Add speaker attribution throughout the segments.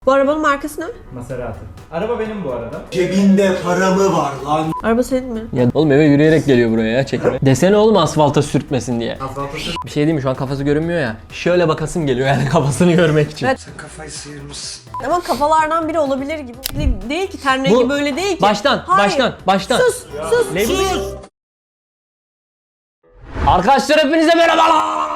Speaker 1: Bu arabanın markası ne?
Speaker 2: Maserati. Araba benim bu arada.
Speaker 3: Cebinde para mı var lan?
Speaker 1: Araba senin mi?
Speaker 4: Ya oğlum eve yürüyerek geliyor buraya ya çekime. Desene oğlum asfalta sürtmesin diye.
Speaker 2: Asfalta sür.
Speaker 4: Bir şey diyeyim mi, şu an kafası görünmüyor ya. Şöyle bakasım geliyor yani kafasını görmek için.
Speaker 1: Evet.
Speaker 3: Sen kafayı sıyırmışsın.
Speaker 1: Ama kafalardan biri olabilir gibi. Değil ki, ten rengi
Speaker 4: Bu-
Speaker 1: böyle değil ki.
Speaker 4: Baştan,
Speaker 1: Hayır.
Speaker 4: baştan.
Speaker 1: Sus, sus.
Speaker 4: Ne bileyim? Arkadaşlar hepinize merhabalar.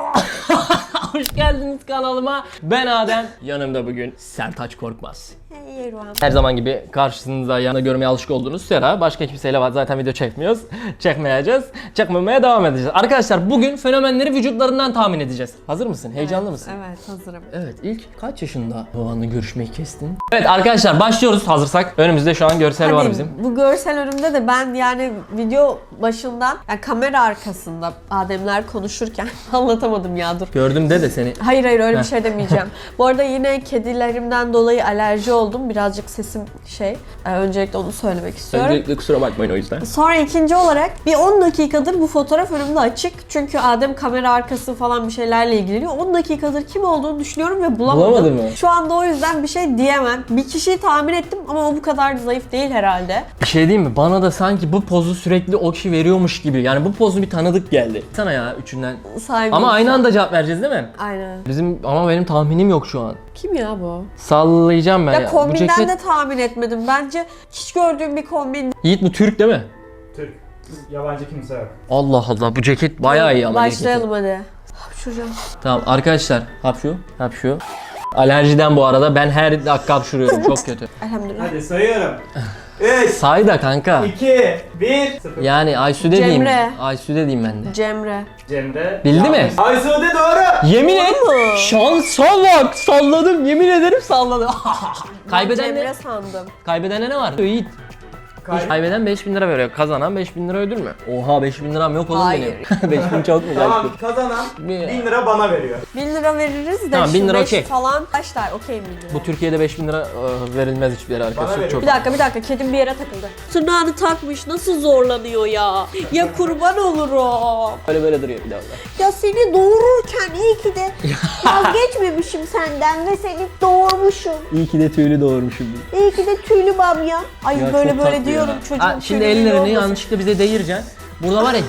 Speaker 4: Hoş geldiniz kanalıma. Ben Adem. Yanımda bugün Sertaç Korkmaz.
Speaker 1: Hey, Ruhan.
Speaker 4: Her zaman gibi karşınızda yanında görmeye alışık olduğunuz Sera. Başka kimseyle var zaten video çekmiyoruz. Çekmeyeceğiz. Çekmemeye devam edeceğiz. Arkadaşlar bugün fenomenleri vücutlarından tahmin edeceğiz. Hazır mısın? Heyecanlı mısın?
Speaker 1: Evet, hazırım.
Speaker 4: Evet, ilk kaç yaşında babanla görüşmeyi kestin? Evet arkadaşlar başlıyoruz hazırsak. Önümüzde şu an görsel var bizim.
Speaker 1: Bu görsel önümde de ben yani video başından, yani kamera arkasında Ademler konuşurken anlatamadım ya, dur.
Speaker 4: Gördüm de seni.
Speaker 1: Hayır öyle bir şey demeyeceğim. Bu arada yine kedilerimden dolayı alerji oldum. Birazcık sesim öncelikle onu söylemek istiyorum.
Speaker 4: Öncelikle kusura bakmayın o yüzden.
Speaker 1: Sonra ikinci olarak bir 10 dakikadır bu fotoğraf önümde açık. Çünkü Adem kamera arkası falan bir şeylerle ilgileniyor. 10 dakikadır kim olduğunu düşünüyorum ve bulamadım.
Speaker 4: Bulamadın mı?
Speaker 1: Şu anda o yüzden bir şey diyemem. Bir kişiyi tahmin ettim ama o bu kadar zayıf değil herhalde.
Speaker 4: Bir şey diyeyim mi? Bana da sanki bu pozu sürekli o kişi veriyormuş gibi. Yani bu pozu bir tanıdık geldi. Sana ya üçünden.
Speaker 1: Sahibi
Speaker 4: Ama aynı
Speaker 1: insan.
Speaker 4: anda cevap vereceğiz değil mi?
Speaker 1: Aynen.
Speaker 4: Ama benim tahminim yok şu an.
Speaker 1: Kim ya bu?
Speaker 4: Sallayacağım ben ya.
Speaker 1: Ya
Speaker 4: Bu
Speaker 1: kombinden
Speaker 4: ceket...
Speaker 1: de tahmin etmedim. Bence hiç gördüğüm bir kombin.
Speaker 4: Yiğit bu Türk değil mi?
Speaker 2: Türk. Yabancı kimse yok.
Speaker 4: Allah Allah bu ceket bayağı iyi ama.
Speaker 1: Başlayalım hadi. Hapşuracağım.
Speaker 4: Tamam arkadaşlar hapşu. Alerjiden bu arada ben her dakika hapşuruyorum çok kötü.
Speaker 1: Elhamdülillah.
Speaker 2: Hadi sayıyorum. 3,
Speaker 4: Say da kanka.
Speaker 2: 2, 1, 0.
Speaker 4: Yani Aysu'de diyeyim.
Speaker 1: Cemre.
Speaker 4: Aysu'de diyeyim ben de.
Speaker 1: Cemre.
Speaker 2: Cemre.
Speaker 4: Bildi mi?
Speaker 2: Aysu'de doğru.
Speaker 4: Yemin et.
Speaker 1: mu?
Speaker 4: Şansa bak. Salladım. Yemin ederim salladım. Kaybeden
Speaker 1: Cemre
Speaker 4: ne?
Speaker 1: sandım.
Speaker 4: Kaybedene ne var? Yiğit. Kaybeden 5000 lira veriyor. Kazanan 5000 lira ödül mü? Oha 5000 liram yok oğlum
Speaker 1: Hayır.
Speaker 4: benim. 5000 çok mu
Speaker 2: Tamam,
Speaker 4: kaçtı?
Speaker 2: kazanan
Speaker 4: Bir-
Speaker 2: 1000 lira bana veriyor.
Speaker 1: 1000 lira veririz de
Speaker 4: Tamam,
Speaker 1: şu
Speaker 4: 1000 lira
Speaker 1: 5
Speaker 4: okey.
Speaker 1: falan başlar. Okey 1000 lira.
Speaker 4: Bu Türkiye'de 5000 lira verilmez hiçbir yere arkadaşlar.
Speaker 2: veriyor.
Speaker 4: Çok.
Speaker 1: Bir dakika kedim bir yere takıldı. Tırnağını takmış, nasıl zorlanıyor ya? Ya kurban olurum.
Speaker 4: Böyle duruyor bir de orada.
Speaker 1: Ya seni doğururken iyi ki de vazgeçmemişim senden ve seni doğurmuşum.
Speaker 4: İyi ki de tüylü doğurmuşum.
Speaker 1: İyi ki de tüylü bamya. Ay
Speaker 4: Ya
Speaker 1: böyle
Speaker 4: çok
Speaker 1: böyle
Speaker 4: tatlı
Speaker 1: diyorum
Speaker 4: ya.
Speaker 1: çocuğum.
Speaker 4: Ha, şimdi
Speaker 1: tüylü
Speaker 4: ellerini
Speaker 1: olmasın.
Speaker 4: yanlışlıkla bize değireceksin. Burada var ya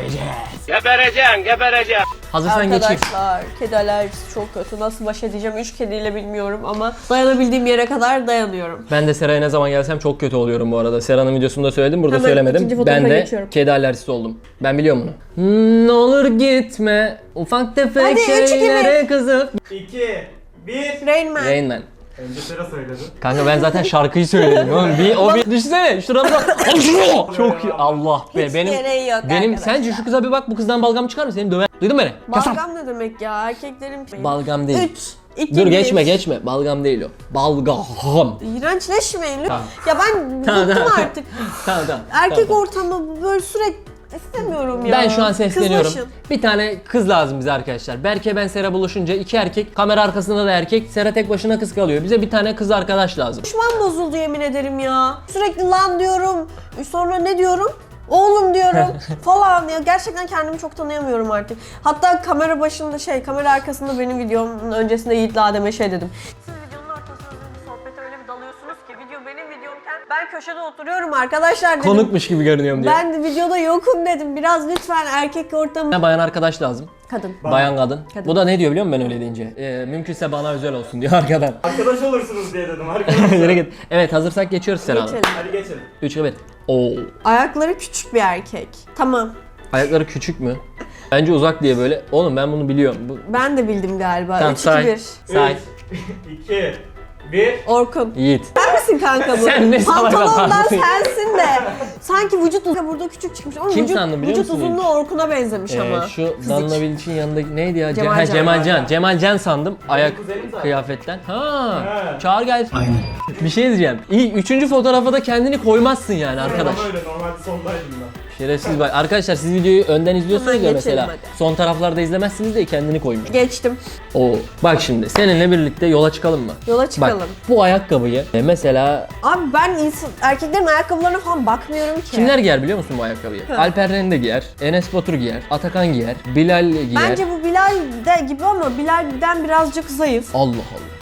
Speaker 4: gebereceğiz. Gebereceğim. Hazırsan geçeyim.
Speaker 1: Arkadaşlar kedi alerjisi çok kötü. Nasıl baş edeceğim 3 kediyle bilmiyorum ama dayanabildiğim yere kadar dayanıyorum.
Speaker 4: Ben de Sera'ya ne zaman gelsem çok kötü oluyorum bu arada. Sera'nın videosunda söyledim, burada
Speaker 1: Hemen ikinci
Speaker 4: söylemedim.
Speaker 1: fotoğrafa
Speaker 4: Ben de
Speaker 1: geçiyorum.
Speaker 4: kedi alerjisi oldum. Ben biliyorum bunu. Ne olur gitme ufak tefek
Speaker 1: Hadi, üç, iki,
Speaker 4: şeylere kızıp.
Speaker 2: 2, 1.
Speaker 1: Rain Man.
Speaker 4: Rain Man.
Speaker 2: Önce sıra söyledi.
Speaker 4: Kanka ben zaten şarkıyı söyledim oğlum. Bir düşsene şuna bak. Çok iyi. Allah be.
Speaker 1: Hiç gereği yok
Speaker 4: benim
Speaker 1: arkadaşlar.
Speaker 4: sence şu kıza bir bak, bu kızdan balgam çıkar mı? Seni döver. Duydun mu beni? Kasap.
Speaker 1: Balgam ne demek ya? Erkeklerin...
Speaker 4: Balgam değil.
Speaker 1: 3, 2,
Speaker 4: Dur
Speaker 1: 1.
Speaker 4: geçme. Balgam değil o. Balgam.
Speaker 1: İğrençleşmeyin lütfen.
Speaker 4: Tamam.
Speaker 1: Ya ben
Speaker 4: Tamam,
Speaker 1: bıktım
Speaker 4: tamam.
Speaker 1: artık.
Speaker 4: Tamam.
Speaker 1: Erkek
Speaker 4: tamam.
Speaker 1: ortamı böyle sürekli istemiyorum ya.
Speaker 4: Ben şu an sesleniyorum.
Speaker 1: Kızlaşın.
Speaker 4: Bir tane kız lazım bize arkadaşlar. Berke ben Sera buluşunca iki erkek, kamera arkasında da erkek. Sera tek başına kız kalıyor. Bize bir tane kız arkadaş lazım.
Speaker 1: Düşman bozuldu yemin ederim ya. Sürekli lan diyorum. Sonra ne diyorum? Oğlum diyorum falan ya. Gerçekten kendimi çok tanıyamıyorum artık. Hatta kamera başında kamera arkasında benim videomun öncesinde Yiğit'le Adem'e dedim. Siz videonun ortasında bir sohbete öyle bir dalıyorsunuz ki video benim videomken ben köşede oturuyorum arkadaşlar dedim.
Speaker 4: Konukmuş gibi görünüyorum diye.
Speaker 1: Ben de videoda yokum dedim. Biraz lütfen erkek ortamı.
Speaker 4: Bayan arkadaş lazım.
Speaker 1: Kadın.
Speaker 4: Bayan kadın.
Speaker 1: Kadın.
Speaker 4: Bu da ne diyor biliyor musun ben öyle deyince? Mümkünse bana özel olsun diyor arkadan.
Speaker 2: Arkadaş olursunuz diye dedim arkadaşlar.
Speaker 4: Yere git. Evet hazırsak geçiyoruz Sera Hanım.
Speaker 1: Geçelim.
Speaker 2: Hadi geçelim.
Speaker 4: 3 evet. Oo.
Speaker 1: Ayakları küçük bir erkek. Tamam.
Speaker 4: Ayakları küçük mü? Bence uzak diye böyle. Oğlum ben bunu biliyorum.
Speaker 1: Ben de bildim galiba.
Speaker 4: Tamam
Speaker 1: 3, 2,
Speaker 4: say.
Speaker 1: 1.
Speaker 4: Say.
Speaker 2: 2, 1.
Speaker 1: Orkun.
Speaker 4: Yiğit.
Speaker 1: Sen misin kanka bu?
Speaker 4: Sen ne salak
Speaker 1: Pantolondan
Speaker 4: adamsın.
Speaker 1: sensin de. Sanki vücut burada küçük çıkmış. Ama
Speaker 4: Kim sandın biliyor
Speaker 1: vücut
Speaker 4: musun
Speaker 1: uzunluğu Orkun'a benzemiş ama.
Speaker 4: Şu
Speaker 1: Fizik.
Speaker 4: Danla Bilic'in yanındaki neydi ya?
Speaker 1: Cemalcan.
Speaker 4: Cemalcan. Cemalcan sandım. Ayak
Speaker 2: kuzenim zaten.
Speaker 4: kıyafetten.
Speaker 2: He.
Speaker 4: Çağır gel.
Speaker 3: Aynen.
Speaker 4: Bir şey diyeceğim. İyi, üçüncü fotoğrafa da kendini koymazsın yani arkadaş.
Speaker 2: Ama öyle normalde sondaydım ben.
Speaker 4: Şerefsiz bak. Arkadaşlar siz videoyu önden izliyorsunuz
Speaker 1: Hemen
Speaker 4: ya
Speaker 1: geçelim
Speaker 4: mesela.
Speaker 1: hadi.
Speaker 4: Son taraflarda izlemezsiniz de kendini koymuş.
Speaker 1: Geçtim.
Speaker 4: Oo. Bak şimdi seninle birlikte yola çıkalım mı?
Speaker 1: Yola çıkalım.
Speaker 4: Bak bu ayakkabıyı mesela
Speaker 1: Abi ben erkeklerin ayakkabılarına falan bakmıyorum ki.
Speaker 4: kimler giyer biliyor musun bu ayakkabıyı? Alper Rende giyer, Enes Batur giyer, Atakan giyer, Bilal giyer.
Speaker 1: Bence bu Bilal de gibi ama Bilal'den birazcık zayıf.
Speaker 4: Allah Allah.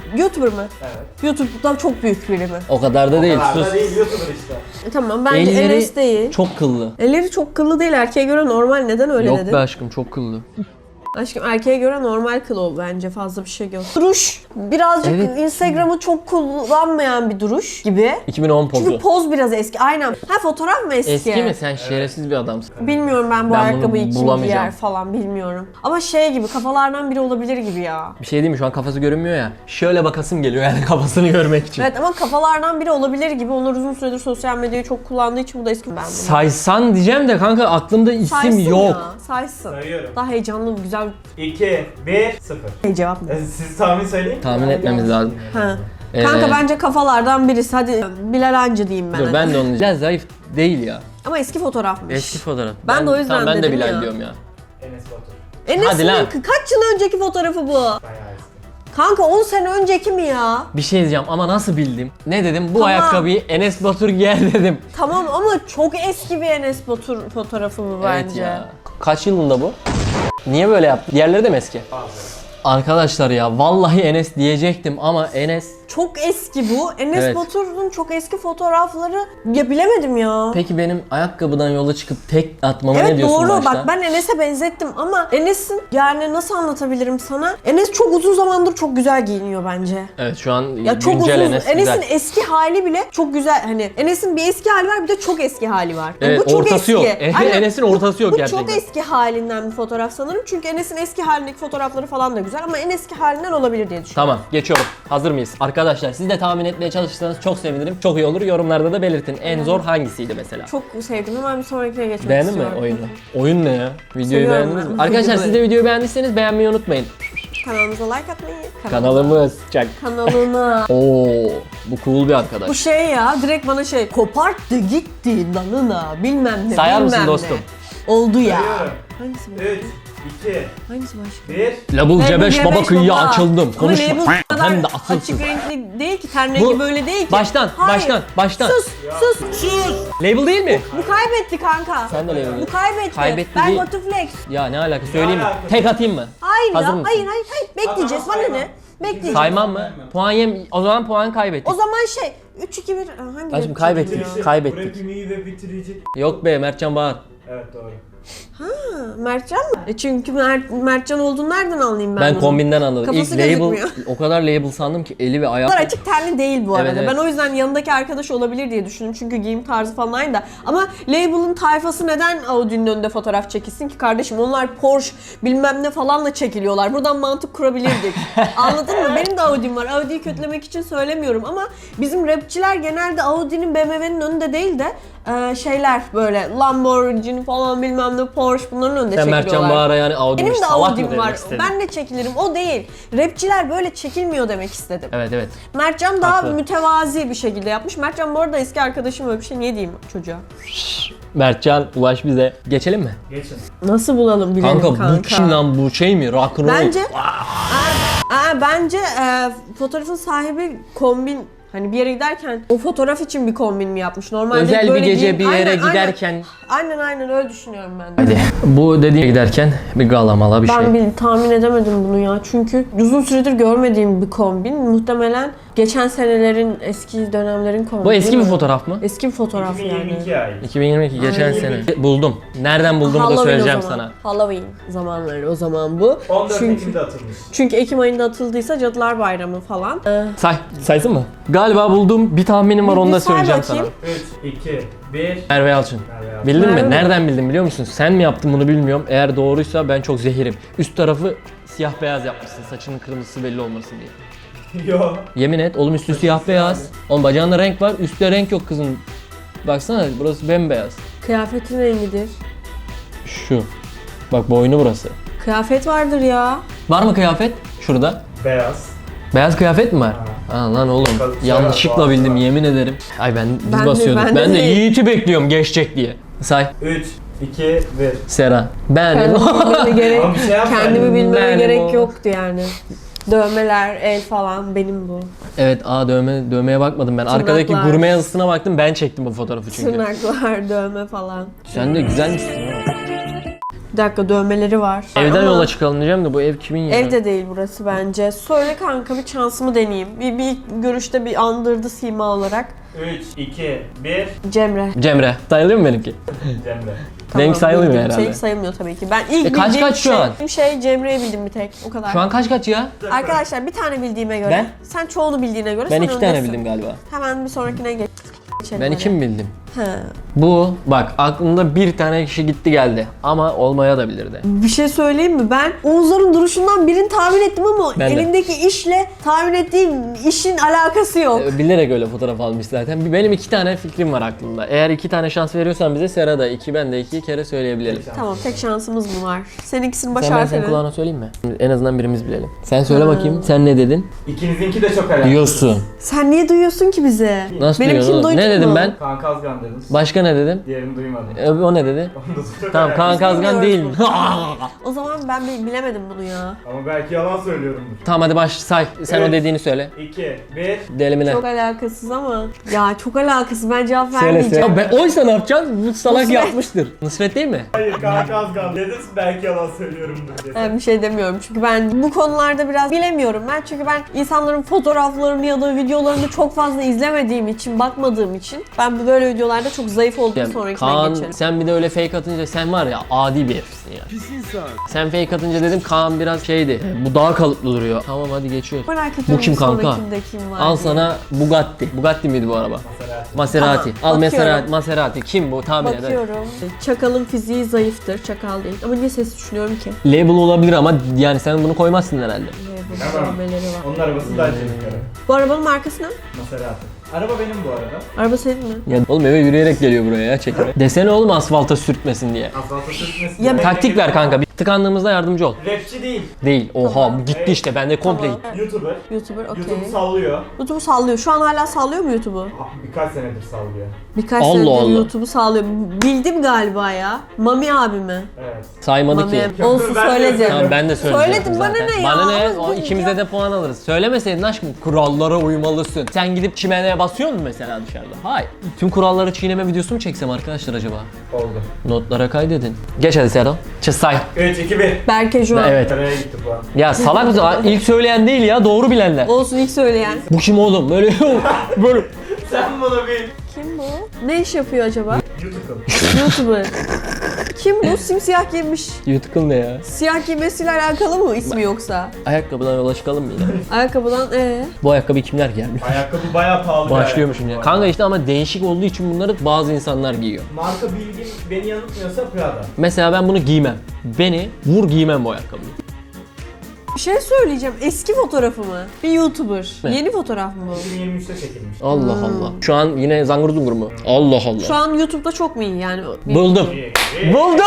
Speaker 1: YouTuber mı?
Speaker 2: Evet.
Speaker 1: YouTube'da çok büyük biri mi?
Speaker 4: O kadar da değil.
Speaker 2: Kadar da
Speaker 4: Sus.
Speaker 2: değil, YouTuber işte.
Speaker 1: Tamam bence
Speaker 4: Elleri
Speaker 1: Enes değil.
Speaker 4: çok kıllı.
Speaker 1: Elleri çok kıllı değil, erkeğe göre normal. Neden öyle
Speaker 4: Yok
Speaker 1: dedin?
Speaker 4: be aşkım, çok kıllı.
Speaker 1: Aşkım erkeğe göre normal kıl o bence, fazla bir şey yok. Duruş birazcık
Speaker 4: Evet.
Speaker 1: Instagram'ı çok kullanmayan bir duruş gibi.
Speaker 4: 2010
Speaker 1: Çünkü
Speaker 4: pozu.
Speaker 1: poz biraz eski. Aynen. Ha, fotoğraf mı eski?
Speaker 4: Eski mi? Sen şerefsiz bir adamsın.
Speaker 1: Bilmiyorum ben bu
Speaker 4: Ben bunu
Speaker 1: ayakkabıyı kim
Speaker 4: bulamayacağım.
Speaker 1: giyer falan bilmiyorum. Ama şey gibi, kafalardan biri olabilir gibi ya.
Speaker 4: Bir şey diyeyim mi? Şu an kafası görünmüyor ya. Şöyle bakasım geliyor yani kafasını görmek için.
Speaker 1: Evet ama kafalardan biri olabilir gibi. Onlar uzun süredir sosyal medyayı çok kullandığı için bu da eski. Ben bunu.
Speaker 4: Saysan diyeceğim de kanka aklımda isim
Speaker 1: Saysın
Speaker 4: yok.
Speaker 1: ya, saysın.
Speaker 2: Sayıyorum.
Speaker 1: Daha heyecanlı, güzel
Speaker 2: 2, 1, 0.
Speaker 1: bir cevap mı?
Speaker 2: Siz tahmin söyleyin.
Speaker 4: Tahmin etmemiz lazım.
Speaker 1: Ha. Kanka
Speaker 4: Ee,
Speaker 1: bence kafalardan birisi. Hadi Bilal Hancı diyeyim ben.
Speaker 4: Dur
Speaker 1: hadi.
Speaker 4: ben de onu diyeceğim. Zayıf değil ya.
Speaker 1: Ama eski fotoğrafmış.
Speaker 4: Eski fotoğraf.
Speaker 1: Ben de o yüzden
Speaker 4: tamam, ben de
Speaker 1: dedim
Speaker 4: Bilal
Speaker 1: ya.
Speaker 4: diyorum ya.
Speaker 2: Enes Batur.
Speaker 1: Enes'in
Speaker 4: Hadi lan.
Speaker 1: kaç yıl önceki fotoğrafı bu?
Speaker 2: Bayağı eski.
Speaker 1: Kanka 10 sene önceki mi ya?
Speaker 4: Bir şey diyeceğim ama nasıl bildim? Ne dedim? Bu
Speaker 1: Tamam.
Speaker 4: ayakkabıyı Enes Batur giyer dedim.
Speaker 1: Tamam ama çok eski bir Enes Batur fotoğrafı bu bence.
Speaker 4: Evet ya. Kaç yılında bu? Niye böyle yaptı? Diğerleri de mi eski?
Speaker 2: Bazıları.
Speaker 4: Arkadaşlar ya vallahi Enes diyecektim ama Enes...
Speaker 1: Çok eski bu. Enes
Speaker 4: Evet.
Speaker 1: Batur'un çok eski fotoğrafları, ya bilemedim ya.
Speaker 4: Peki benim ayakkabıdan yola çıkıp tek atmama ne
Speaker 1: Evet
Speaker 4: diyorsun
Speaker 1: doğru,
Speaker 4: başta?
Speaker 1: bak ben Enes'e benzettim ama Enes'in, yani nasıl anlatabilirim sana? Enes çok uzun zamandır çok güzel giyiniyor bence.
Speaker 4: Evet şu an
Speaker 1: Ya çok
Speaker 4: güncel
Speaker 1: uzun.
Speaker 4: Enes
Speaker 1: Enes'in
Speaker 4: güzel.
Speaker 1: eski hali bile çok güzel. Hani Enes'in bir eski hali var, bir de çok eski hali var. Yani
Speaker 4: Evet,
Speaker 1: bu çok
Speaker 4: ortası
Speaker 1: eski.
Speaker 4: yok.
Speaker 1: Aynen.
Speaker 4: Enes'in ortası yok
Speaker 1: Bu
Speaker 4: gerçekten.
Speaker 1: çok eski halinden bir fotoğraf sanırım. Çünkü Enes'in eski halindeki fotoğrafları falan da güzel ama en eski halinden olabilir diye düşünüyorum.
Speaker 4: Tamam geçiyorum. Hazır mıyız? Arkadaşlar siz de tahmin etmeye çalışırsanız çok sevinirim. Çok iyi olur. Yorumlarda da belirtin. En zor hangisiydi mesela?
Speaker 1: Çok sevdim, hemen bir sonrakine geçmek
Speaker 4: Beğendin mi
Speaker 1: istiyorum.
Speaker 4: oyunu? Oyun ne ya? Videoyu
Speaker 1: Seviyorum
Speaker 4: beğendiniz
Speaker 1: ben.
Speaker 4: mi? Arkadaşlar siz de videoyu beğendiyseniz beğenmeyi unutmayın.
Speaker 1: Kanalımıza like atmayı.
Speaker 4: Kanalımız çak.
Speaker 1: Kanalına.
Speaker 4: Oo, bu cool bir arkadaş.
Speaker 1: Bu şey ya, direkt bana şey, koparttı gitti dalına bilmem ne.
Speaker 4: Sayar mısın
Speaker 1: bilmem ne.
Speaker 4: dostum?
Speaker 1: Oldu ya.
Speaker 2: Sayıyorum.
Speaker 1: Hangisi bu?
Speaker 2: 3, 2,
Speaker 1: Hangisi başka?
Speaker 2: 1.
Speaker 4: Label C5 baba kıyıya
Speaker 1: baba.
Speaker 4: açıldım.
Speaker 1: Ama
Speaker 4: Konuşma.
Speaker 1: label bu kadar
Speaker 4: Hem de asılsın.
Speaker 1: açık renkli değil ki, ten rengi
Speaker 4: Bu-
Speaker 1: böyle değil ki.
Speaker 4: Baştan,
Speaker 1: Hayır.
Speaker 4: baştan.
Speaker 1: Sus.
Speaker 4: Label değil mi?
Speaker 1: Bu kaybetti kanka.
Speaker 4: Sen de label.
Speaker 1: Bu kaybetti.
Speaker 4: Kaybetti
Speaker 1: ben
Speaker 4: değil.
Speaker 1: Botuflex.
Speaker 4: Ya ne alaka söyleyeyim mi?
Speaker 2: alakası?
Speaker 4: Tek atayım mı?
Speaker 1: Hayır
Speaker 4: Hazır
Speaker 1: ya.
Speaker 4: mısın?
Speaker 1: Hayır. Bekleyeceğiz.
Speaker 2: Tamam,
Speaker 1: Bana
Speaker 2: saymam.
Speaker 1: ne? Bekleyeceğiz.
Speaker 4: Saymam mı? Puan yem... O zaman puan kaybettik.
Speaker 1: O zaman şey 3-2-1 hangi
Speaker 4: Aşkım
Speaker 1: renk
Speaker 4: kaybettik.
Speaker 1: çekiyor?
Speaker 2: Bu
Speaker 4: Kaybettik.
Speaker 2: rapimi de bitirecek.
Speaker 4: Yok be Mertcan Bağır.
Speaker 2: Evet doğru.
Speaker 1: Ha, Mertcan mı? Çünkü Mertcan olduğunu nereden anlayayım ben
Speaker 4: Ben
Speaker 1: bunu?
Speaker 4: kombinden anladım.
Speaker 1: Kafası
Speaker 4: İlk label,
Speaker 1: gözükmüyor.
Speaker 4: o kadar label sandım ki eli ve ayağı.
Speaker 1: Bunlar açık tenli değil bu arada.
Speaker 4: Evet, evet.
Speaker 1: Ben o yüzden yanındaki arkadaş olabilir diye düşündüm. Çünkü giyim tarzı falan aynı da. Ama label'ın tayfası neden Audi'nin önünde fotoğraf çekilsin ki kardeşim? Onlar Porsche bilmem ne falanla çekiliyorlar. Buradan mantık kurabilirdik. Anladın mı? Benim de Audi'm var. Audi'yi kötülemek için söylemiyorum ama bizim rapçiler genelde Audi'nin, BMW'nin önünde değil de şeyler böyle Lamborghini falan bilmem ne, Porsche bunların önünde
Speaker 4: Sen
Speaker 1: çekiliyorlar.
Speaker 4: Mertcan Bağır'a yani Audi'miş
Speaker 1: Benim de
Speaker 4: salak mı
Speaker 1: Audi'm
Speaker 4: demek
Speaker 1: var.
Speaker 4: istedin?
Speaker 1: Ben de çekilirim. O değil. Rapçiler böyle çekilmiyor demek istedim.
Speaker 4: Evet.
Speaker 1: Mertcan daha
Speaker 4: Haklı.
Speaker 1: mütevazi bir şekilde yapmış. Mertcan bu arada eski arkadaşım, öyle bir şey niye diyeyim çocuğa?
Speaker 4: Mertcan ulaş bize. Geçelim mi?
Speaker 2: Geçin.
Speaker 1: Nasıl bulalım bilelim
Speaker 4: Kanka, bu kim lan, bu şey mi? Rock and roll.
Speaker 1: Bence fotoğrafın sahibi kombin, hani bir yere giderken o fotoğraf için bir kombin mi yapmış? Normalde
Speaker 4: Özel bir
Speaker 1: böyle
Speaker 4: gece bir yere
Speaker 1: Aynen,
Speaker 4: giderken.
Speaker 1: Aynen öyle düşünüyorum ben de.
Speaker 4: Hadi. Bu dediğine giderken bir galamala bir şey.
Speaker 1: Ben tahmin edemedim bunu ya. Çünkü uzun süredir görmediğim bir kombin. Muhtemelen geçen senelerin, eski dönemlerin kombini.
Speaker 4: Bu eski bir fotoğraf mı?
Speaker 1: Eski bir fotoğraf yani.
Speaker 2: 2022 ait.
Speaker 4: 2022 geçen
Speaker 1: Aynen.
Speaker 4: sene. Buldum. Nereden bulduğumu da
Speaker 1: Halloween
Speaker 4: söyleyeceğim
Speaker 1: o zaman.
Speaker 4: sana.
Speaker 1: Halloween zamanları o zaman bu.
Speaker 2: 14
Speaker 1: Çünkü
Speaker 2: Ekim'de atılmış.
Speaker 1: Ekim ayında atıldıysa Cadılar Bayramı falan.
Speaker 4: Saysın mı? Galiba bulduğum bir tahminim var, onu da
Speaker 1: Bir say
Speaker 4: söyleyeceğim sana.
Speaker 1: bakayım.
Speaker 2: 3, 2, 1.
Speaker 4: Merve Yalçın.
Speaker 2: Merve Yalçın.
Speaker 4: Bildin
Speaker 1: Merve
Speaker 4: mi?
Speaker 1: mi?
Speaker 4: Nereden bildin biliyor musun? Sen mi yaptın bunu bilmiyorum. Eğer doğruysa ben çok zehirim. Üst tarafı siyah beyaz yapmışsın. Saçının kırmızısı belli olmasın diye.
Speaker 2: Yo.
Speaker 4: Yemin et oğlum, üstü siyah beyaz. Oğlum bacağında renk var, üstte renk yok kızın. Baksana burası bembeyaz.
Speaker 1: Kıyafetin rengidir.
Speaker 4: Şu. Bak boynu burası.
Speaker 1: Kıyafet vardır ya.
Speaker 4: Var mı kıyafet? Şurada.
Speaker 2: Beyaz.
Speaker 4: Beyaz kıyafet mi var? Aa lan oğlum.
Speaker 2: Bakalım,
Speaker 4: Yanlışlıkla
Speaker 2: Serap,
Speaker 4: bildim
Speaker 2: Boğaz var.
Speaker 4: yemin ederim. Ay ben
Speaker 1: Ben
Speaker 4: biz
Speaker 1: de-
Speaker 4: basıyorduk.
Speaker 1: ben de
Speaker 4: Ben de
Speaker 1: değil.
Speaker 4: Yiğit'i bekliyorum geçecek diye. Say.
Speaker 2: 3, 2, 1.
Speaker 4: Sera. Ben.
Speaker 1: Kendimi bilmeme gerek,
Speaker 2: Ama bir şey yapma.
Speaker 1: kendimi bilmeme
Speaker 4: Benim
Speaker 1: gerek
Speaker 4: o.
Speaker 1: yoktu yani. Dövmeler, el falan benim bu.
Speaker 4: Evet, dövmeye bakmadım ben. Arkadaki
Speaker 1: Tırnaklar.
Speaker 4: gurme yazısına baktım, ben çektim bu fotoğrafı çünkü.
Speaker 1: Tırnaklar, dövme falan.
Speaker 4: Sen de güzelmişsin.
Speaker 1: dakika, dövmeleri var.
Speaker 4: Evden
Speaker 1: Ama
Speaker 4: yola çıkalım diyeceğim de bu ev kimin ya?
Speaker 1: Evde değil burası bence. Söyle kanka, bir şansımı deneyeyim. Bir görüşte bir andırdı sima olarak.
Speaker 2: 3, 2, 1.
Speaker 1: Cemre.
Speaker 4: Cemre. Sayılıyor mu benimki?
Speaker 2: Cemre.
Speaker 4: Renk sayılmıyor
Speaker 1: bildiğim
Speaker 4: herhalde.
Speaker 1: Şey sayılmıyor tabii ki. Ben ilk
Speaker 4: kaç
Speaker 1: bildiğim
Speaker 4: kaç şu an?
Speaker 1: şey Cemre'yi bildim bir tek. O kadar.
Speaker 4: Şu an kaç ya?
Speaker 1: Arkadaşlar bir tane bildiğime göre.
Speaker 4: Ben?
Speaker 1: Sen çoğunu bildiğine göre
Speaker 4: Ben
Speaker 1: sen
Speaker 4: 2 tane
Speaker 1: öndesin.
Speaker 4: bildim galiba.
Speaker 1: Hemen bir sonrakine geçelim.
Speaker 4: Ben 2 mi bildim?
Speaker 1: He.
Speaker 4: Bu bak aklımda bir tane kişi gitti geldi ama olmaya da bilirdi.
Speaker 1: Bir şey söyleyeyim mi? Ben Oğuzların duruşundan birini tahmin ettim ama
Speaker 4: Ben de.
Speaker 1: elindeki işle tahmin ettiğim işin alakası yok.
Speaker 4: Bilerek öyle fotoğraf almış zaten. Benim 2 tane fikrim var aklımda. Eğer 2 tane şans veriyorsan bize Sera da 2 ben de 2 kere söyleyebilelim.
Speaker 1: Tamam, tek şansımız mı var? Seninkisini baş
Speaker 4: Sen ben senin
Speaker 1: harfini.
Speaker 4: kulağına söyleyeyim mi? En azından birimiz bilelim. Sen söyle
Speaker 1: Ha.
Speaker 4: bakayım. Sen ne dedin?
Speaker 2: İkinizinki de çok alakalı.
Speaker 4: Diyorsun.
Speaker 1: Sen niye duyuyorsun ki bize?
Speaker 4: Nasıl
Speaker 1: Benimkini
Speaker 4: duyuyorsun oğlum?
Speaker 1: duydun
Speaker 4: Ne dedim
Speaker 1: mu?
Speaker 4: ben?
Speaker 2: Kaan Kazgan dediniz.
Speaker 4: Başka ne dedim?
Speaker 2: Diğerini duymadım.
Speaker 4: O ne dedi?
Speaker 2: Onu da çok
Speaker 4: Tamam Kaan
Speaker 2: alakalı.
Speaker 4: Kazgan değil mi?
Speaker 1: O zaman ben bilemedim bunu ya.
Speaker 2: Ama belki yalan söylüyorumdur.
Speaker 4: Tamam hadi baş say. Sen o
Speaker 2: Evet.
Speaker 4: dediğini söyle.
Speaker 2: 2, 1.
Speaker 4: Delimine.
Speaker 1: Çok alakasız ama. Ya çok alakasız, ben cevap
Speaker 4: Söyle
Speaker 1: vermeyeceğim.
Speaker 4: söyle. Ben, oysa ne yapacaksın? Bu salak
Speaker 1: Nusret.
Speaker 4: yapmıştır. Nusret değil mi?
Speaker 2: Hayır, Kaan Kazgan dediniz, belki yalan söylüyorumdur diye.
Speaker 1: Ben bir şey demiyorum çünkü ben bu konularda biraz bilemiyorum ben, çünkü ben insanların fotoğraflarını ya da videolarını çok fazla izlemediğim için, bakmadığım için ben bu böyle videolarda çok zayıf olduğum
Speaker 4: Yani
Speaker 1: sonrakine
Speaker 4: Kaan
Speaker 1: geçerim.
Speaker 4: sen bir de öyle fake atınca sen var ya adi bir herifsin ya.
Speaker 3: Pis insan.
Speaker 4: Sen fake atınca dedim Kaan biraz şeydi. Bu daha kalıplı duruyor. Tamam hadi geçiyoruz.
Speaker 1: Merak ediyorum
Speaker 4: Bu kim
Speaker 1: bir
Speaker 4: kanka?
Speaker 1: sonrakinde kim var
Speaker 4: Al
Speaker 1: diye.
Speaker 4: sana Bugatti. Bugatti miydi bu araba?
Speaker 2: Maserati.
Speaker 4: Maserati.
Speaker 1: Tamam,
Speaker 4: Al
Speaker 1: bakıyorum.
Speaker 4: Maserati. Kim bu? Tahmin eder.
Speaker 1: Bakıyorum. Çakalın fiziği zayıftır. Çakal değil. Ama niye ses düşünüyorum ki?
Speaker 4: Label olabilir ama yani sen bunu koymazsın herhalde.
Speaker 1: Burada
Speaker 2: Tamam.
Speaker 1: dövmeleri var.
Speaker 2: Onun arabası daha çelik ara.
Speaker 1: Bu arabanın markası ne?
Speaker 2: Maserati. Araba benim bu arada.
Speaker 1: Araba senin mi?
Speaker 4: Ya oğlum eve yürüyerek geliyor buraya ya çekime. Desene oğlum asfalta sürtmesin diye.
Speaker 2: Asfalta sürtmesin.
Speaker 1: Ya
Speaker 4: Taktik ver kanka. Bir tıkandığımızda yardımcı ol.
Speaker 2: Rapçi değil.
Speaker 4: Değil. Oha
Speaker 1: Tamam.
Speaker 4: bu gitti işte. Bende komple
Speaker 1: Tamam.
Speaker 4: gitti.
Speaker 2: YouTuber.
Speaker 1: YouTuber, okey.
Speaker 2: YouTube'u sallıyor.
Speaker 1: YouTube'u sallıyor. Şu an hala sallıyor mu YouTube'u?
Speaker 2: Birkaç senedir sallıyor.
Speaker 1: Birkaç
Speaker 4: Allah
Speaker 1: senedir
Speaker 4: Allah.
Speaker 1: YouTube'u sallıyor. Bildim galiba ya. Mami abi mi?
Speaker 2: Evet.
Speaker 4: Saymadı
Speaker 1: Mami
Speaker 4: ki.
Speaker 1: abi. Olsun,
Speaker 2: Ben de
Speaker 1: söyledim.
Speaker 2: söyledim.
Speaker 4: Tamam ben de söyleyeceğim
Speaker 1: Söyledim, bana
Speaker 4: zaten.
Speaker 1: ne ya?
Speaker 4: Bana ne?
Speaker 1: Ama
Speaker 4: O
Speaker 1: bu
Speaker 4: ikimize
Speaker 1: ya-
Speaker 4: de puan alırız. Söylemeseydin aşkım kurallara uymalısın. Sen gidip çimeneye basıyor musun mesela dışarıda? Hayır. Tüm kuralları çiğneme videosu mu çeksem arkadaşlar acaba?
Speaker 2: Oldu.
Speaker 4: Notlara kaydedin. Geç hadi Serhan. Say.
Speaker 2: 3, 2, 1.
Speaker 1: Berke Joğan.
Speaker 4: Evet.
Speaker 2: Nereye gitti bu an?
Speaker 4: Ya salak mısın? İlk söyleyen değil ya doğru bilenler.
Speaker 1: Olsun, ilk söyleyen.
Speaker 4: Bu kim oğlum? Böyle böyle.
Speaker 2: Sen bunu bil.
Speaker 1: Kim bu? Ne iş yapıyor acaba?
Speaker 2: YouTube'um.
Speaker 1: YouTuber. Kim bu? Simsiyah giymiş.
Speaker 4: Yutkun ne ya?
Speaker 1: Siyah giymesiyle alakalı mı ismi yoksa?
Speaker 4: Ayakkabıdan yola çıkalım mı yine?
Speaker 1: Ayakkabıdan
Speaker 4: Bu ayakkabı kimler gelmiş?
Speaker 2: Ayakkabı bayağı pahalı bir
Speaker 4: Başlıyormuşum
Speaker 2: ayakkabı
Speaker 4: ya.
Speaker 2: bu
Speaker 4: Kanka
Speaker 2: arada.
Speaker 4: işte ama değişik olduğu için bunları bazı insanlar giyiyor.
Speaker 2: Marka bilgim beni yanıltmıyorsa Prada.
Speaker 4: Mesela ben bunu giymem. Beni vur giymem bu ayakkabıyı.
Speaker 1: bir şey söyleyeceğim. Eski fotoğrafı mı? Bir YouTuber.
Speaker 4: Ne?
Speaker 1: Yeni fotoğraf mı bu?
Speaker 2: 2023'te çekilmiş.
Speaker 4: Allah Allah. Şu an yine zangır zungur mu? Allah Allah.
Speaker 1: Şu an YouTube'da çok mu iyi yani?
Speaker 4: Buldum.
Speaker 2: İyi.
Speaker 4: Buldum!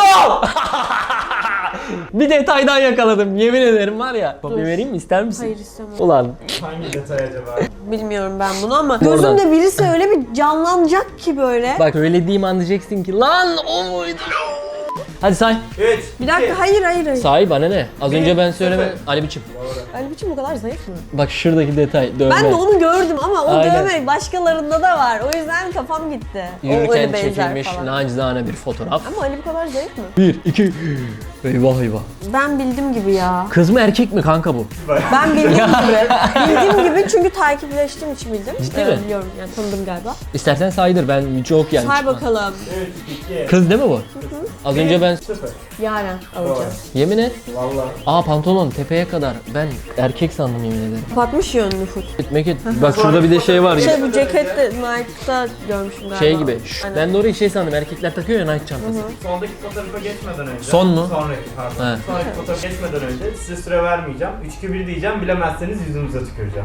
Speaker 4: Bir detaydan yakaladım. Yemin ederim var ya. Kopya vereyim mi? İster misin?
Speaker 1: Hayır, istemem.
Speaker 4: Ulan.
Speaker 2: Hangi detay acaba?
Speaker 1: Bilmiyorum ben bunu ama
Speaker 4: Oradan.
Speaker 1: gözümde birisi öyle bir canlanacak ki böyle.
Speaker 4: Bak söylediğim an diyeceksin ki lan o muydu? Hadi say.
Speaker 2: 3,
Speaker 1: Bir dakika, hayır.
Speaker 4: Say bana ne? Az önce ben söyleme.
Speaker 2: sıfır.
Speaker 4: Ali biçim.
Speaker 1: Ali biçim bu kadar zayıf mı?
Speaker 4: Bak şuradaki detay. Dövme.
Speaker 1: Ben de onu gördüm ama o
Speaker 4: Aynen.
Speaker 1: dövme başkalarında da var. O yüzden kafam gitti. O
Speaker 4: Yürürken
Speaker 1: öyle benzer
Speaker 4: çekilmiş
Speaker 1: falan.
Speaker 4: nacizane bir fotoğraf.
Speaker 1: Ama Ali bu kadar zayıf mı?
Speaker 4: 1, 2. Eyvah eyvah.
Speaker 1: Ben bildim gibi ya.
Speaker 4: Kız mı erkek mi kanka bu?
Speaker 1: Ben bildiğim gibi. Bildiğim gibi çünkü takipleştiğim için bildim.
Speaker 4: Ciddi mi?
Speaker 1: Biliyorum yani, tanıdım galiba.
Speaker 4: İstersen saydır ben çok yani.
Speaker 1: Say bakalım.
Speaker 2: 3, 2,
Speaker 4: Kız değil mi bu? Az önce ben
Speaker 2: 0.
Speaker 1: Yaren alacağım.
Speaker 4: yemin et.
Speaker 2: Valla.
Speaker 4: Aa pantolon tepeye kadar. Ben erkek sandım yemin ederim.
Speaker 1: Kapatmış yönünü full.
Speaker 4: Gitmek et. Bak şurada bir de şey var.
Speaker 1: Şey, bu ceket de Nike'da görmüşüm galiba.
Speaker 4: Şey gibi.
Speaker 1: Aynen.
Speaker 4: Ben de orayı şey sandım. Erkekler takıyor ya Nike çantası.
Speaker 2: Sondaki fotoğrafa geçmeden önce.
Speaker 4: Son mu?
Speaker 2: Sonraki pardon.
Speaker 4: He.
Speaker 2: Sonraki fotoğrafa geçmeden önce size süre vermeyeceğim. 3, 2, 1 diyeceğim. Bilemezseniz yüzünüze tüküreceğim.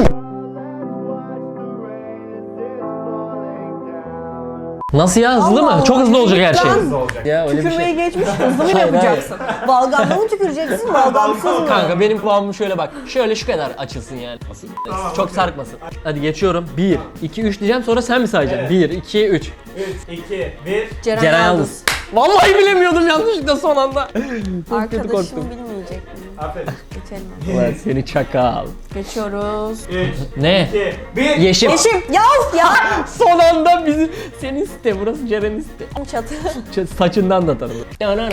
Speaker 4: Nasıl ya hızlı
Speaker 1: Allah
Speaker 4: mı?
Speaker 1: Allah.
Speaker 4: Çok hızlı olacak her şey.
Speaker 1: Lan.
Speaker 2: Hızlı olacak.
Speaker 4: Ya öyle bir
Speaker 1: Tükürmeyi
Speaker 4: şey.
Speaker 1: geçmiş, hızlı mı
Speaker 4: Hayır,
Speaker 1: yapacaksın? Balgamla mı tüküreceksin, balgamsız mı?
Speaker 4: Kanka benim kulağım şöyle bak. Şöyle şu kadar açılsın yani.
Speaker 2: Tamam,
Speaker 4: Çok
Speaker 2: okey.
Speaker 4: sarkmasın. Hadi geçiyorum. 1, 2, 3 diyeceğim sonra sen mi sayacaksın?
Speaker 2: Evet.
Speaker 4: 1, 2, 3.
Speaker 2: 3, 2, 1.
Speaker 4: Ceren Yıldız. Vallahi bilemiyordum yanlışlıkla son anda. Çok kötü
Speaker 1: Arkadaşım
Speaker 4: korktum.
Speaker 1: bilmeyecek mi?
Speaker 2: Aferin.
Speaker 1: Geçelim.
Speaker 4: Ulan seni çakal.
Speaker 1: Geçiyoruz.
Speaker 2: 3,
Speaker 4: Ne?
Speaker 2: 2, 1.
Speaker 4: Yeşim.
Speaker 1: Yeşim ya.
Speaker 4: Son anda bizi senin site burası Ceren'in site.
Speaker 1: Çatı.
Speaker 4: Saçından da tanıdım.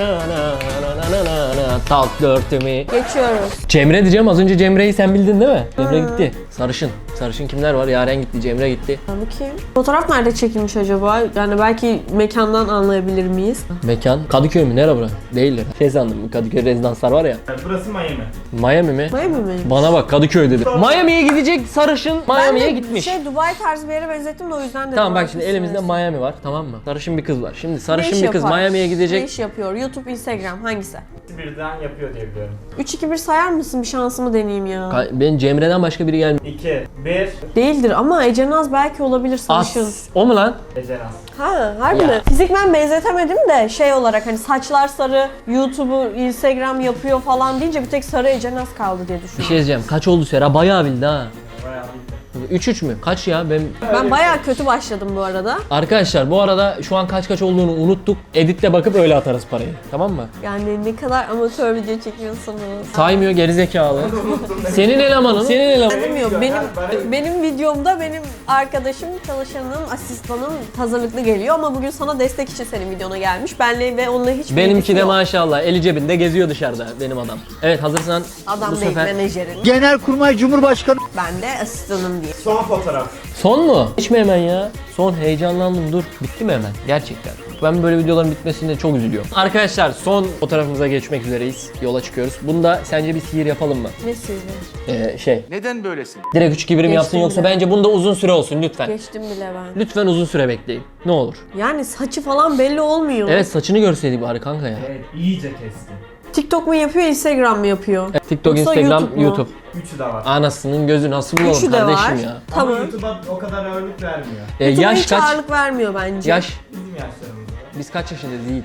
Speaker 4: Tatlı örtümü.
Speaker 1: Geçiyoruz.
Speaker 4: Cemre diyeceğim, az önce Cemre'yi sen bildin değil mi? Cemre gitti. Sarışın. Sarışın kimler var? Yaren gitti, Cemre gitti.
Speaker 1: Bakayım. Fotoğraf nerede çekilmiş acaba? Yani belki mekandan anlayabilir miyiz?
Speaker 4: Mekan Kadıköy mü? Nere bura? Değildir. Şey sandım, Kadıköy rezidanslar var ya.
Speaker 2: Burası Miami.
Speaker 4: Miami mi?
Speaker 1: Miami mi?
Speaker 4: Bana bak, Kadıköy dedi. Miami'ye gidecek sarışın Miami'ye
Speaker 1: Ben de
Speaker 4: gitmiş.
Speaker 1: Dubai tarzı bir yere benzettim de o yüzden dedim.
Speaker 4: Tamam bak şimdi
Speaker 1: Haklısınız.
Speaker 4: elimizde Miami var, tamam mı? Sarışın bir kız var. Şimdi
Speaker 1: Ne
Speaker 4: sarışın
Speaker 1: iş
Speaker 4: bir kız
Speaker 1: yapar?
Speaker 4: Miami'ye
Speaker 1: Ne
Speaker 4: gidecek.
Speaker 1: iş yapıyor? YouTube, Instagram hangisi?
Speaker 2: Birden yapıyor diye biliyorum.
Speaker 1: 3-2-1 sayar mısın? Bir şansımı deneyeyim ya.
Speaker 4: Ben Cemre'den başka biri gelmiyor.
Speaker 2: 2, 1.
Speaker 1: Değildir ama Ece Naz belki olabilir sarışın.
Speaker 4: O mu lan?
Speaker 2: Ecenas.
Speaker 1: Ha, harbi
Speaker 4: Ya.
Speaker 1: mi? Fizikmen benzetemedim de şey olarak hani saçlar sarı, YouTube'u, Instagram yapıyor falan deyince bir tek sarı Ece Naz kaldı diye
Speaker 4: Bir
Speaker 1: düşündüm.
Speaker 4: şey diyeceğim. Kaç oldu Sera? Bayağı bildi ha.
Speaker 2: Bayağı bildim.
Speaker 4: 3-3 mü? Kaç ya?
Speaker 1: Ben bayağı kötü başladım bu arada.
Speaker 4: Arkadaşlar bu arada şu an kaç olduğunu unuttuk. Editte bakıp öyle atarız parayı. Tamam mı?
Speaker 1: Yani ne kadar amatör video çekiyorsunuz.
Speaker 4: Saymıyor gerizekalı.
Speaker 2: Unuttum ne?
Speaker 4: Senin elemanın. Senin elemanın.
Speaker 1: Bilmiyorum.
Speaker 2: Ben-
Speaker 1: Benim videomda benim arkadaşım, çalışanım, asistanım hazırlıklı geliyor ama bugün sana destek için senin videona gelmiş. Benle ve onunla hiç
Speaker 4: Benimki
Speaker 1: bilgisi
Speaker 4: de
Speaker 1: yok.
Speaker 4: maşallah eli cebinde geziyor dışarıda benim adam. Evet hazırsan
Speaker 1: Adam
Speaker 4: bu
Speaker 1: değil,
Speaker 4: sefer.
Speaker 1: menajerin.
Speaker 3: Genelkurmay Cumhurbaşkanı
Speaker 1: Ben de asistanım diye.
Speaker 2: Son fotoğraf.
Speaker 4: Son mu? Hiç mi hemen ya? Son heyecanlandım dur. Bitti mi hemen? Gerçekten. Ben böyle videoların bitmesine çok üzülüyorum. Arkadaşlar son fotoğrafımıza geçmek üzereyiz. Yola çıkıyoruz. Bunda sence bir sihir yapalım mı?
Speaker 1: Ne sizi?
Speaker 3: neden böylesin?
Speaker 4: Direkt 3-2-1'im yapsın
Speaker 1: Geçtim
Speaker 4: yoksa
Speaker 1: bile.
Speaker 4: bence bunda uzun süre olsun lütfen.
Speaker 1: Geçtim bile ben.
Speaker 4: Lütfen uzun süre bekleyin. Ne olur.
Speaker 1: Yani saçı falan belli olmuyor.
Speaker 4: Evet saçını görseydik bari kanka ya.
Speaker 2: Evet, iyice kestim.
Speaker 1: TikTok mu yapıyor, Instagram mı yapıyor?
Speaker 4: Evet, TikTok,
Speaker 1: Yoksa
Speaker 4: Instagram,
Speaker 1: YouTube mu?
Speaker 4: YouTube.
Speaker 2: Üçü de var.
Speaker 4: Anasının gözü nasıl bulalım
Speaker 1: Üçü de
Speaker 4: kardeşim
Speaker 1: var.
Speaker 4: ya.
Speaker 2: Ama
Speaker 1: Tamam.
Speaker 2: YouTube'a o kadar ağırlık vermiyor.
Speaker 1: YouTube'a
Speaker 4: Yaş
Speaker 1: hiç
Speaker 4: kaç?
Speaker 1: ağırlık vermiyor bence.
Speaker 4: Yaş.
Speaker 2: Bizim yaşlarımızda.
Speaker 4: Biz kaç yaşındayız Yiğit?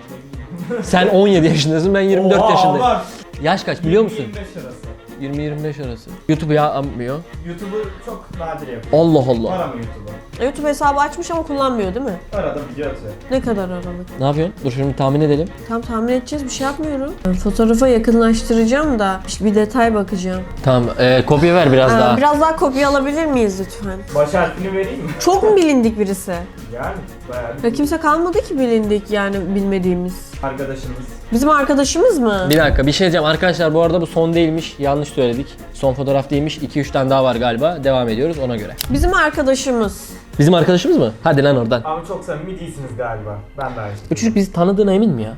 Speaker 4: Sen 17 yaşındasın, ben 24
Speaker 2: Oha,
Speaker 4: yaşındayım.
Speaker 2: var.
Speaker 4: Yaş kaç biliyor musun?
Speaker 2: 25 arası.
Speaker 4: 20-25 arası. YouTube'u yapmıyor.
Speaker 2: YouTube'u çok nadir yapıyor.
Speaker 4: Allah
Speaker 2: Var
Speaker 4: Allah.
Speaker 2: ama YouTube'u.
Speaker 1: YouTube hesabı açmış ama kullanmıyor değil mi?
Speaker 2: Arada video atıyor.
Speaker 1: Ne kadar aralık?
Speaker 4: Ne yapıyorsun? Dur şimdi tahmin edelim.
Speaker 1: Tam tahmin edeceğiz, bir şey yapmıyorum. Ben fotoğrafa yakınlaştıracağım da işte bir detay bakacağım.
Speaker 4: Tamam, kopya ver biraz daha.
Speaker 1: Biraz daha kopya alabilir miyiz lütfen?
Speaker 2: Baş harfini vereyim mi?
Speaker 1: Çok mu bilindik birisi?
Speaker 2: Yani bayağı
Speaker 1: Ya kimse kalmadı ki bilindik yani bilmediğimiz.
Speaker 2: arkadaşımız.
Speaker 1: Bizim arkadaşımız mı?
Speaker 4: Bir dakika bir şey diyeceğim arkadaşlar, bu arada bu son değilmiş, yanlış söyledik. Son fotoğraf değilmiş, 2-3 tane daha var galiba, devam ediyoruz ona göre.
Speaker 1: Bizim arkadaşımız.
Speaker 4: Bizim arkadaşımız mı? Hadi lan oradan.
Speaker 2: Ama çok samimi değilsiniz galiba. Ben de aynı.
Speaker 4: Bu çocuk bizi tanıdığına emin mi ya?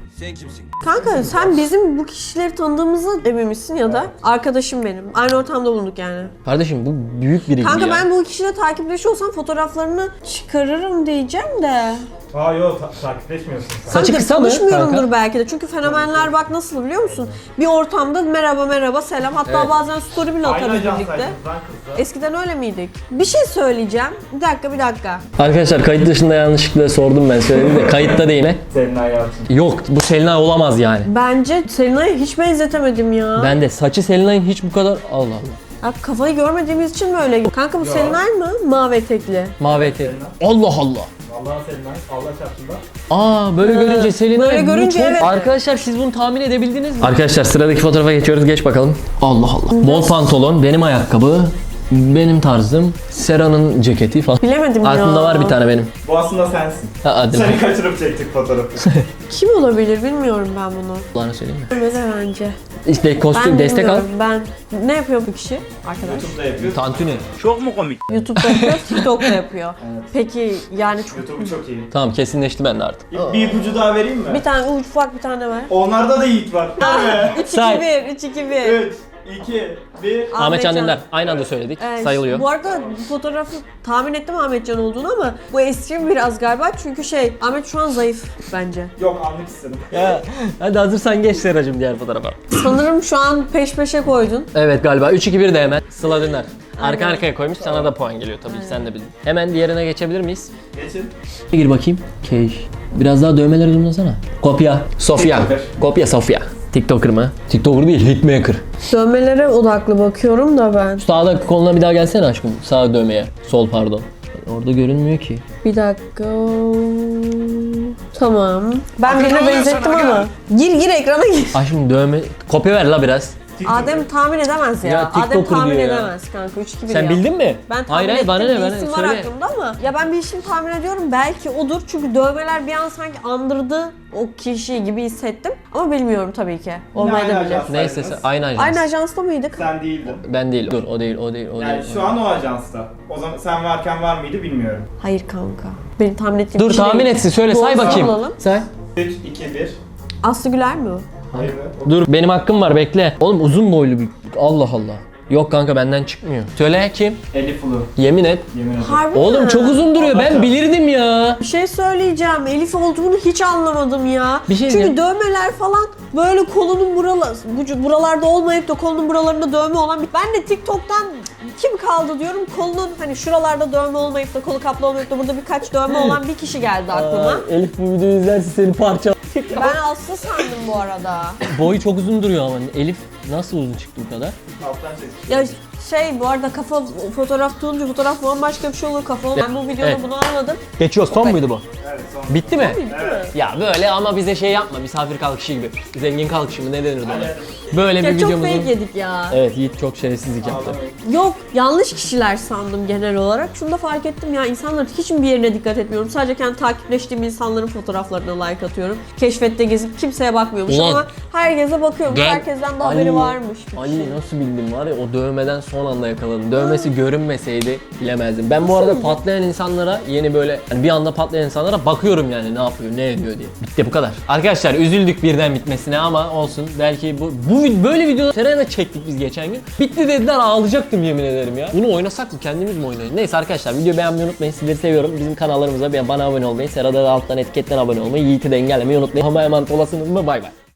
Speaker 1: Kanka sen bizim bu kişileri tanıdığımıza emin misin ya da arkadaşım benim. Aynı ortamda bulunduk yani.
Speaker 4: Kardeşim bu büyük biri
Speaker 1: Kanka
Speaker 4: ya.
Speaker 1: ben bu kişiyle takipleşiyorsam fotoğraflarını çıkarırım diyeceğim de.
Speaker 2: Aa yok takipleşmiyorsun sen.
Speaker 4: Saçı
Speaker 1: Kanka,
Speaker 4: kısa mı
Speaker 1: tanışmıyorumdur
Speaker 4: kanka?
Speaker 1: belki de. Çünkü fenomenler bak nasıl biliyor musun? Bir ortamda merhaba selam. Hatta
Speaker 4: Evet.
Speaker 1: bazen story bile
Speaker 2: Aynı
Speaker 1: atarız birlikte.
Speaker 2: ajansaydınız lan kızla.
Speaker 1: Eskiden öyle miydik? Bir şey söyleyeceğim. Bir dakika.
Speaker 4: Arkadaşlar kayıt dışında yanlışlıkla sordum ben, söyledim de kayıtta değil.
Speaker 2: Senin hayatın.
Speaker 4: Yok bu Selinay olamaz yani.
Speaker 1: Bence Selina'ya hiç benzetemedim ya.
Speaker 4: Ben de saçı Selinay'ın hiç bu kadar Allah Allah.
Speaker 1: Ya kafayı görmediğimiz için mi öyle? Kanka bu
Speaker 2: Yo.
Speaker 1: Selinay mı? Mavi etekli.
Speaker 4: Mavi eteği. Allah Allah.
Speaker 2: Vallahi senin Allah çarpsın da.
Speaker 4: Aa böyle görünce Selinay
Speaker 1: böyle
Speaker 4: bu
Speaker 1: görünce
Speaker 4: çok-
Speaker 1: evet.
Speaker 4: Arkadaşlar siz bunu tahmin edebildiniz mi? Arkadaşlar sıradaki fotoğrafa geçiyoruz. Geç bakalım. Allah Allah. Bol pantolon, benim ayakkabı, benim tarzım, Sera'nın ceketi falan.
Speaker 1: Bilemedim ya.
Speaker 4: Aklımda var bir tane benim.
Speaker 2: Bu aslında sensin.
Speaker 4: Ha, hadi lan.
Speaker 2: Seni kaçırıp çektik fotoğrafı.
Speaker 1: Kim olabilir bilmiyorum ben bunu.
Speaker 4: Allah'ını söyleyeyim mi?
Speaker 1: Öyle bence.
Speaker 4: İşte kostüm
Speaker 1: Ben
Speaker 4: destek al.
Speaker 1: bilmiyorum. Ben ne yapıyor bu kişi arkadaş?
Speaker 2: YouTube'da yapıyor.
Speaker 4: Tantuni.
Speaker 3: Çok mu komik?
Speaker 1: YouTube'da yapıyor, TikTok'ta yapıyor. Peki yani çok...
Speaker 2: YouTube'u çok iyi.
Speaker 4: Tamam kesinleşti bende artık.
Speaker 2: Bir ipucu daha vereyim mi?
Speaker 1: Bir tane ufak bir tane var.
Speaker 2: Onlarda da Yiğit var. Evet.
Speaker 1: 3-2-1, 3-2-1.
Speaker 2: 3, 2, 1.
Speaker 4: Ahmet Can Dündar. Aynı anda söyledik. Sayılıyor.
Speaker 1: Bu arada bu fotoğrafı tahmin ettim Ahmetcan olduğunu ama bu eski biraz galiba çünkü Ahmet şu an zayıf bence.
Speaker 2: Yok anlık istedim.
Speaker 4: Ya, hadi hazırsan geç Seracığım diğer fotoğrafa.
Speaker 1: Sanırım şu an peş peşe koydun.
Speaker 4: Evet galiba 3-2-1 de hemen. Sıla Dündar. Arka arkaya koymuş, sana da puan geliyor tabii ki, sen de bildin. Hemen diğerine geçebilir miyiz?
Speaker 2: Geçin.
Speaker 4: Gir bakayım. Keş. Biraz daha dövmeleri zoomlasana. Kopya. Sofya.
Speaker 2: TikToker.
Speaker 4: Kopya Sofya. TikToker mı? TikToker değil, hitmaker.
Speaker 1: Dövmelere odaklı bakıyorum da ben.
Speaker 4: Sağda koluna bir daha gelsene aşkım. Sağ dövmeye. Sol pardon. Orada görünmüyor ki.
Speaker 1: Bir dakika. Tamam. Ben birine benzettim ama. Gir ekrana gir.
Speaker 4: Aşkım dövme... Kopya ver la biraz.
Speaker 1: Adem tahmin edemez ya.
Speaker 4: Ya,
Speaker 1: Adem
Speaker 4: TikToker
Speaker 1: tahmin
Speaker 4: diyor ya.
Speaker 1: edemez kanka 3-2-1
Speaker 4: Sen
Speaker 1: ya.
Speaker 4: bildin mi?
Speaker 1: Ben tahmin
Speaker 4: hayır,
Speaker 1: ettim.
Speaker 4: bana ne?
Speaker 1: Bir
Speaker 4: Bana
Speaker 1: isim var
Speaker 4: söyle.
Speaker 1: aklımda ama ya ben bir isim tahmin ediyorum. Belki odur çünkü dövmeler bir an sanki andırdı o kişi gibi hissettim. Ama bilmiyorum tabii ki. Olmayabilir.
Speaker 2: ajans?
Speaker 4: Neyse aynı ajans.
Speaker 1: Aynı ajansta mıydık?
Speaker 2: Sen değildin.
Speaker 4: Ben değil. Dur o değil, o değil, o
Speaker 2: Yani
Speaker 4: değil.
Speaker 2: şu an o ajansta. O zaman sen varken var mıydı bilmiyorum.
Speaker 1: Hayır kanka. Benim tahmin ettiğim
Speaker 4: Dur
Speaker 1: kişi
Speaker 4: tahmin
Speaker 1: değil.
Speaker 4: etsin. Söyle
Speaker 1: Doğru
Speaker 4: say bakayım.
Speaker 1: alalım.
Speaker 4: Say.
Speaker 2: 3, 2, 1.
Speaker 1: Aslı Güler mi o?
Speaker 2: Hayır.
Speaker 4: Dur benim hakkım var bekle. Oğlum uzun boylu bir. Allah Allah. Yok kanka benden çıkmıyor. Söyle kim?
Speaker 2: Elif Ulu.
Speaker 4: Yemin et.
Speaker 2: Yemin ederim.
Speaker 1: Harbi
Speaker 4: Oğlum
Speaker 1: mi?
Speaker 4: çok uzun duruyor. Ben
Speaker 2: Allah.
Speaker 4: bilirdim ya.
Speaker 1: Bir şey söyleyeceğim. Elif olduğunu hiç anlamadım ya.
Speaker 4: Bir şey
Speaker 1: Çünkü
Speaker 4: diyeceğim.
Speaker 1: dövmeler falan böyle kolunun buralarda olmayıp da kolunun buralarında dövme olan bir... Ben de TikTok'tan kim kaldı diyorum. Kolunun hani şuralarda dövme olmayıp da kolu kaplı olmayıp da burada birkaç dövme olan bir kişi geldi aklıma.
Speaker 4: Elif bu videoyu izlerse seni parça.
Speaker 1: Ben Aslı sandım bu arada.
Speaker 4: Boyu çok uzun duruyor ama Elif nasıl uzun çıktı bu kadar?
Speaker 2: Alttan çek.
Speaker 1: Ya şey bu arada kafa fotoğraf tutunca fotoğraf bambaşka bir şey olur kafa. Ben bu videoda
Speaker 4: Evet.
Speaker 1: bunu anladım.
Speaker 4: Geçiyor. Son muydu bu?
Speaker 2: Evet son.
Speaker 4: Bitti mi?
Speaker 2: Evet.
Speaker 4: Ya böyle ama bize şey yapma. Misafir kalkışı gibi. Zengin kalkışı mı ne denir ona? Böyle bir
Speaker 1: Ya çok
Speaker 4: videomuzun...
Speaker 1: fake yedik ya.
Speaker 4: Evet Yiğit çok şerefsizlik yaptı.
Speaker 1: Yok yanlış kişiler sandım genel olarak. Şunu da fark ettim ya insanların hiç mi bir yerine dikkat etmiyorum. Sadece kendi takipleştiğim insanların fotoğraflarına like atıyorum. Keşfette gezip kimseye bakmıyormuş
Speaker 4: Ulan.
Speaker 1: ama herkese bakıyormuş.
Speaker 4: Gel.
Speaker 1: Herkesten de haberi varmış.
Speaker 4: Ali nasıl bildim var ya o dövmeden son anda yakaladım. Dövmesi görünmeseydi bilemezdim. Ben bu arada patlayan insanlara yeni böyle hani bir anda patlayan insanlara bakıyorum yani ne yapıyor ne ediyor diye. Bitti bu kadar. Arkadaşlar üzüldük birden bitmesine ama olsun. Belki böyle video Serena'da çektik biz geçen gün. Bitti dediler ağlayacaktım yemin ederim ya. Bunu oynasak mı kendimiz mi oynayalım? Neyse arkadaşlar videoyu beğenmeyi unutmayın. Sizleri seviyorum. Bizim kanallarımıza bana abone olmayı, Serada da alttan etiketten abone olmayı, Yiğit'i de engellemeyi unutmayın. Ama emanet olasınız mı? Bay bay.